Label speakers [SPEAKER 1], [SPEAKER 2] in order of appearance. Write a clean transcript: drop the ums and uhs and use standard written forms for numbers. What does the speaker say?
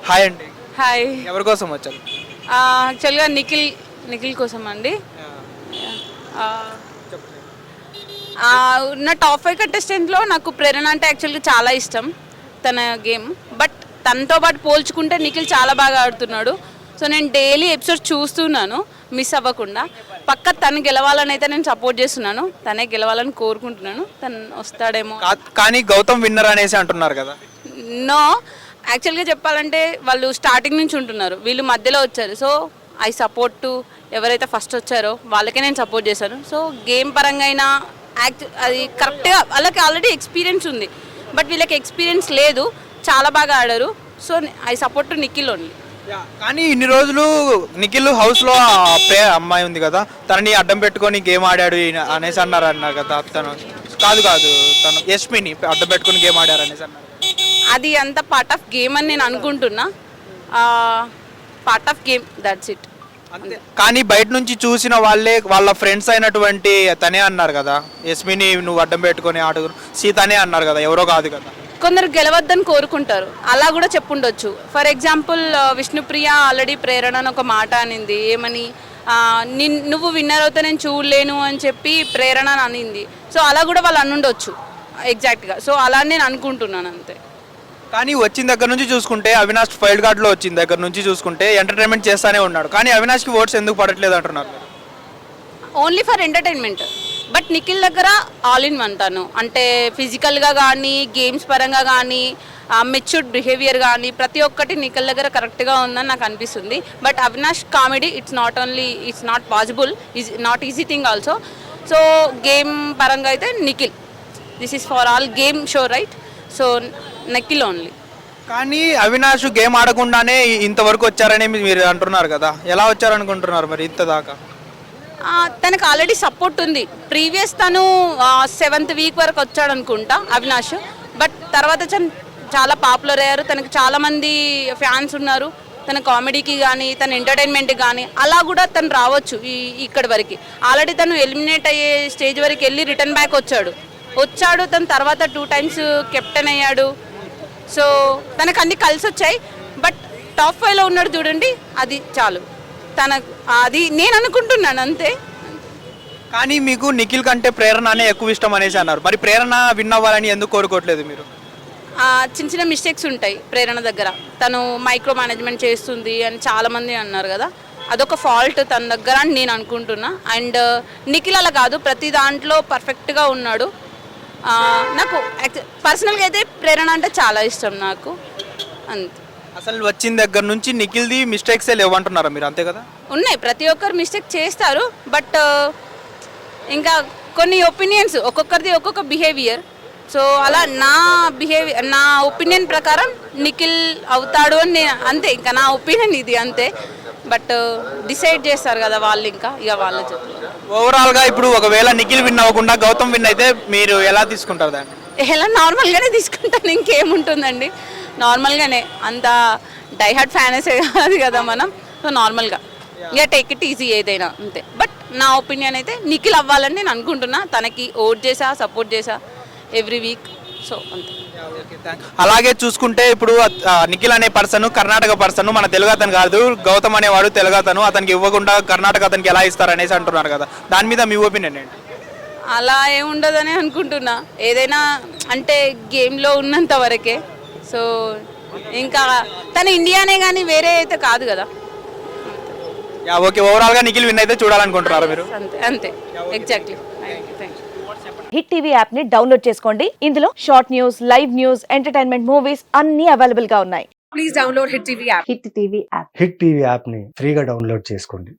[SPEAKER 1] Hi అండి.
[SPEAKER 2] Hi.
[SPEAKER 1] ఎవరి కోసం వచ్చారు?
[SPEAKER 2] యాక్చువల్గా నిఖిల్ కోసం అండి. నా టాప్ 5 కంటెస్టెంట్లో నాకు ప్రేరణ అంటే యాక్చువల్గా చాలా ఇష్టం తన గేమ్. బట్ తనతో పాటు పోల్చుకుంటే నిఖిల్ చాలా బాగా ఆడుతున్నాడు. సో నేను డైలీ ఎపిసోడ్ చూస్తున్నాను మిస్ అవ్వకుండా. పక్క తను గెలవాలని అయితే నేను సపోర్ట్ చేస్తున్నాను. తనే గెలవాలని కోరుకుంటున్నాను. తను వస్తాడేమో.
[SPEAKER 1] కానీ గౌతమ్ విన్నర్ అనేసి అంటున్నారు కదా.
[SPEAKER 2] నో, యాక్చువల్గా చెప్పాలంటే వాళ్ళు స్టార్టింగ్ నుంచి ఉంటున్నారు, వీళ్ళు మధ్యలో వచ్చారు. సో ఐ సపోర్ట్ టు ఎవరైతే ఫస్ట్ వచ్చారో వాళ్ళకే నేను సపోర్ట్ చేశాను. సో గేమ్ పరంగా అయినా అది కరెక్ట్గా వాళ్ళకి ఆల్రెడీ ఎక్స్పీరియన్స్ ఉంది. బట్ వీళ్ళకి ఎక్స్పీరియన్స్ లేదు, చాలా బాగా ఆడారు. So I support to Nikhil only.
[SPEAKER 1] కానీ ఇన్ని రోజులు నిఖిల్ హౌస్లో అమ్మాయి ఉంది కదా, తనని అడ్డం పెట్టుకొని గేమ్ ఆడాడు అనేసి అన్నారు కదా. తను కాదు తను యష్మిని అడ్డం పెట్టుకొని గేమ్ ఆడారు అనేసి అన్నారు.
[SPEAKER 2] అది అంత పార్ట్ ఆఫ్ గేమ్ అని నేను అనుకుంటున్నా. Part of game, that's it.
[SPEAKER 1] కానీ బయట నుంచి చూసిన వాళ్ళే వాళ్ళ ఫ్రెండ్స్ అయినటువంటి తనే అన్నారు కదా, యస్మిని నువ్వు అడ్డం పెట్టుకొని ఆడు సీతనే అన్నారు కదా, ఎవరో కాదు కదా.
[SPEAKER 2] కొందరు గెలవద్దని కోరుకుంటారు, అలా కూడా చెప్పుండొచ్చు. For example Vishnupriya already Prerana అని ఒక మాట అనింది, ఏమని నువ్వు విన్నర్ అవుతా నేను చూడలేను అని చెప్పి ప్రేరణ అనింది. సో అలా కూడా వాళ్ళు అనుండొచ్చు ఎగ్జాక్ట్గా. సో అలా నేను అనుకుంటున్నాను అంతే.
[SPEAKER 1] కానీ వచ్చిన దగ్గర నుంచి చూసుకుంటే అవినాష్ ఫైల్డ్ కార్డ్లో వచ్చిన దగ్గర నుంచి చూసుకుంటే ఎంటర్టైన్మెంట్ చేస్తానే ఉన్నాడు. కానీ అవినాష్కి ఓట్స్ ఎందుకు పడట్లేదు అంటున్నారు?
[SPEAKER 2] Only for entertainment. But Nikhil దగ్గర ఆల్ ఇన్ వన్. తను అంటే ఫిజికల్గా కానీ, గేమ్స్ పరంగా కానీ, మెచ్యూర్డ్ బిహేవియర్ కానీ ప్రతి ఒక్కటి నిఖిల్ దగ్గర కరెక్ట్గా ఉందని నాకు అనిపిస్తుంది. But Avinash comedy it's not possible, not easy thing also. So game పరంగా అయితే Nikhil, this is for all game show right. So Nikhil only.
[SPEAKER 1] కానీ అవినాష్ గేమ్ ఆడకుండానే ఇంతవరకు వచ్చారని మీరు అంటున్నారు కదా, ఎలా వచ్చారనుకుంటున్నారు మరి ఇంత దాకా?
[SPEAKER 2] తనకు ఆల్రెడీ సపోర్ట్ ఉంది. ప్రీవియస్ తను 7th వీక్ వరకు వచ్చాడు అనుకుంటా అవినాష్. బట్ తర్వాత చాలా పాపులర్ అయ్యారు, తనకు చాలామంది ఫ్యాన్స్ ఉన్నారు. తన కామెడీకి కానీ, తన ఎంటర్టైన్మెంట్కి కానీ అలా కూడా తను రావచ్చు ఇక్కడి వరకు. ఆల్రెడీ తను ఎలిమినేట్ అయ్యే స్టేజ్ వరకు వెళ్ళి రిటర్న్ బ్యాక్ వచ్చాడు. తన తర్వాత 2 times కెప్టెన్ అయ్యాడు. సో తనకు అన్ని కలిసి వచ్చాయి. బట్ టాప్ 5లో ఉన్నాడు చూడండి, అది చాలు అది నేను అనుకుంటున్నాను అంతే.
[SPEAKER 1] కానీ మీకు నిఖిల్ కంటే ప్రేరణనే ఎక్కువ ఇష్టం అనేసి అన్నారు. మరి ప్రేరణ విన్ అవ్వాలని ఎందుకు కోరుకోవట్లేదు మీరు?
[SPEAKER 2] చిన్న చిన్న మిస్టేక్స్ ఉంటాయి ప్రేరణ దగ్గర. తను మైక్రో మేనేజ్మెంట్ చేస్తుంది అని చాలామంది అన్నారు కదా, అదొక ఫాల్ట్ తన దగ్గర అని నేను అనుకుంటున్నా. అండ్ నిఖిల్ అలా కాదు, ప్రతి దాంట్లో పర్ఫెక్ట్గా ఉన్నాడు. నాకు పర్సనల్గా అయితే ప్రేరణ అంటే చాలా ఇష్టం నాకు అంతే.
[SPEAKER 1] అసలు వచ్చిన దగ్గర నుంచి నిఖిల్ది మిస్టేక్సే లేవంటున్నారా మీరు, అంతే కదా?
[SPEAKER 2] ఉన్నాయి, ప్రతి ఒక్కరు మిస్టేక్ చేస్తారు. బట్ ఇంకా కొన్ని ఒపీనియన్స్, ఒక్కొక్కరిది ఒక్కొక్క బిహేవియర్. సో అలా నా ఒపీనియన్ ప్రకారం నిఖిల్ అవుతాడు అని నేను అంతే. ఇంకా నా ఒపీనియన్ ఇది అంతే. బట్ డిసైడ్ చేస్తారు కదా వాళ్ళు, ఇక వాళ్ళే చెప్తారు.
[SPEAKER 1] ఓవరాల్గా ఇప్పుడు ఒకవేళ నిఖిల్ విన్ అవ్వకుండా గౌతమ్ విన్ అయితే మీరు ఎలా తీసుకుంటారు దాన్ని?
[SPEAKER 2] ఎలా నార్మల్గానే తీసుకుంటాను, ఇంకేముంటుందండి. నార్మల్గానే, అంత డైహార్డ్ ఫ్యానసే కాదు కదా మనం. సో నార్మల్గా ఇక టేక్ ఇట్ ఈజీ ఏదైనా అంతే. బట్ నా ఒపీనియన్ అయితే నిఖిల్ అవ్వాలని నేను అనుకుంటున్నా. తనకి ఓట్ చేసా, సపోర్ట్ చేసా ఎవ్రీ వీక్. సో అంతే.
[SPEAKER 1] అలాగే చూసుకుంటే ఇప్పుడు నిఖిల్ అనే పర్సన్ కర్ణాటక పర్సన్, మన తెలుగు అతను కాదు. గౌతమ్ అనేవాడు తెలుగు అతను, అతనికి ఇవ్వకుండా కర్ణాటక అతనికి ఎలా ఇస్తారు అనేసి అంటున్నారు కదా, దాని మీద మీ ఒపీనియన్ ఏంటి?
[SPEAKER 2] అలా ఏముండదని అనుకుంటున్నా. ఏదైనా అంటే గేమ్లో ఉన్నంత వరకే. సో ఇంకా తన ఇండియానే కానీ వేరే అయితే కాదు కదా.
[SPEAKER 1] ఓకే, ఓవరాల్గా నిఖిల్ విన్ అయితే చూడాలనుకుంటున్నారు మీరు?
[SPEAKER 2] అంతే అంతే, ఎగ్జాక్ట్లీ.
[SPEAKER 3] హిట్ టీవీ యాప్ ని డౌన్లోడ్ చేసుకోండి. ఇందులో short news, live news, entertainment movies అన్ని అవైలబుల్ గా ఉన్నాయి.
[SPEAKER 4] Please download hit TV app.
[SPEAKER 3] Hit TV app.
[SPEAKER 5] Hit TV app ని ఫ్రీగా డౌన్లోడ్ చేసుకోండి.